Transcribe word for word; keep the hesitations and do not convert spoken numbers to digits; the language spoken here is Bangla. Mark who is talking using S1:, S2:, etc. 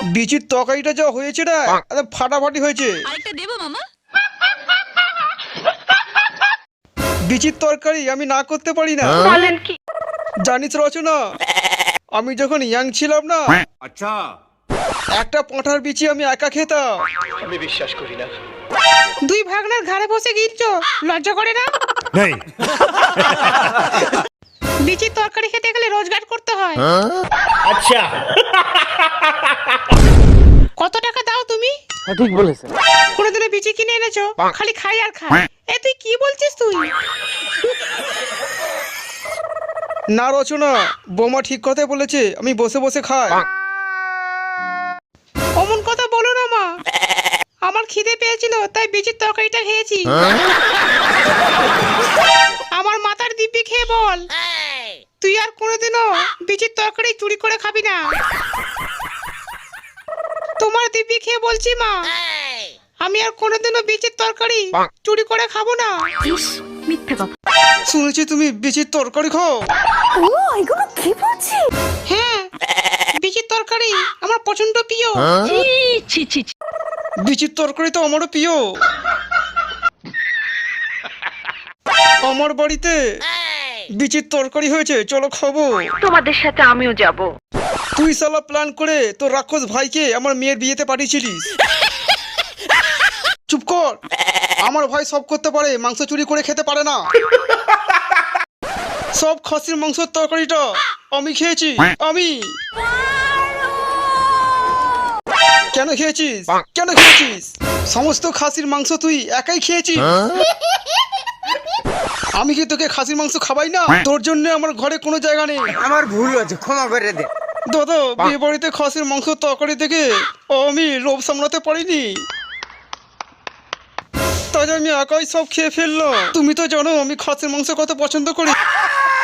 S1: বিচির তরকারিটা যা হয়েছে না, একদম ফাটাফাটি হয়েছে।
S2: আরেকটা দেবো মামা?
S1: বিচির তরকারি আমি না করতে পারি না।
S3: বলেন কি?
S1: জানিস রচনা, আমি যখন ইয়াং ছিলাম না,
S4: আচ্ছা,
S1: একটা পাঁঠার বিচি আমি একা খেতাম।
S5: আমি বিশ্বাস করি না।
S3: দুই ভাগনার ঘাড়ে বসে গিলছো, লজ্জা করে না?
S4: নেই।
S3: বিচির তরকারি খেতে গেলে রোজগার করতে হয়।
S5: আচ্ছা,
S3: কত টাকা দাও তুমি?
S5: ঠিক বলেছেন।
S3: কোনোদিনও বিচি কিনে এনেছো? খালি খাই আর খাই। এ তুই কি বলছিস তুই?
S1: না রচনা, বোমা ঠিক কথাই বলেছে, আমি বসে বসে খাই।
S3: অমন কথা বলো না মা, আমার খিদে পেয়েছিল তাই বিচির তরকারিটা খেয়েছি। আমার মাথার দিব্যি খেয়ে বল, তুই আর কোনোদিনও বিচির তরকারি চুরি করে খাবি না। তোমার দিব্যি খেয়ে বলছি মা, আমি আর কোনোদিনও বিচির তরকারি চুরি করে খাবো না।
S2: ইস, মিথ্যে কথা।
S1: শুনেছি তুমি বিচির তরকারি খাও।
S2: ও এগুলো কি বলছি?
S3: হ্যাঁ, বিচির তরকারি আমার প্রচন্ড প্রিয়।
S2: ছি ছি ছি ছি।
S1: বিচির তরকারি তো আমারও প্রিয়। আমার বাড়িতে বিচির তরকারি হয়েছে, চলো খাবো।
S3: তোমাদের সাথে আমিও যাব।
S1: তুই শালা প্ল্যান করে তোর রাক্ষস ভাইকে আমার মেয়ের বিয়েতে পাঠিয়েছিলিস। চুপ কর, আমার ভাই সব করতে পারে, মাংস চুরি করে খেতে পারে না। সব খাসির মাংসের তরকারিটা আমি খেয়েছি। আমি কেন খেয়েছিস? কেন খেয়েছিস? সমস্ত খাসির মাংস তুই একাই খেয়েছিস। আমি কি তোকে খাসির মাংস খাবাই না? তোর জন্য আমার ঘরে কোনো জায়গা নেই।
S6: আমার ভুল হয়েছে, ক্ষমা করে দে।
S1: দাদা, বিয়ে বাড়িতে খাসির মাংস তরকারি দেখে আমি লোভ সামলাতে পারিনি, তাই আমি একাই সব খেয়ে ফেললাম। তুমি তো জানো আমি খাসির মাংস কত পছন্দ করি।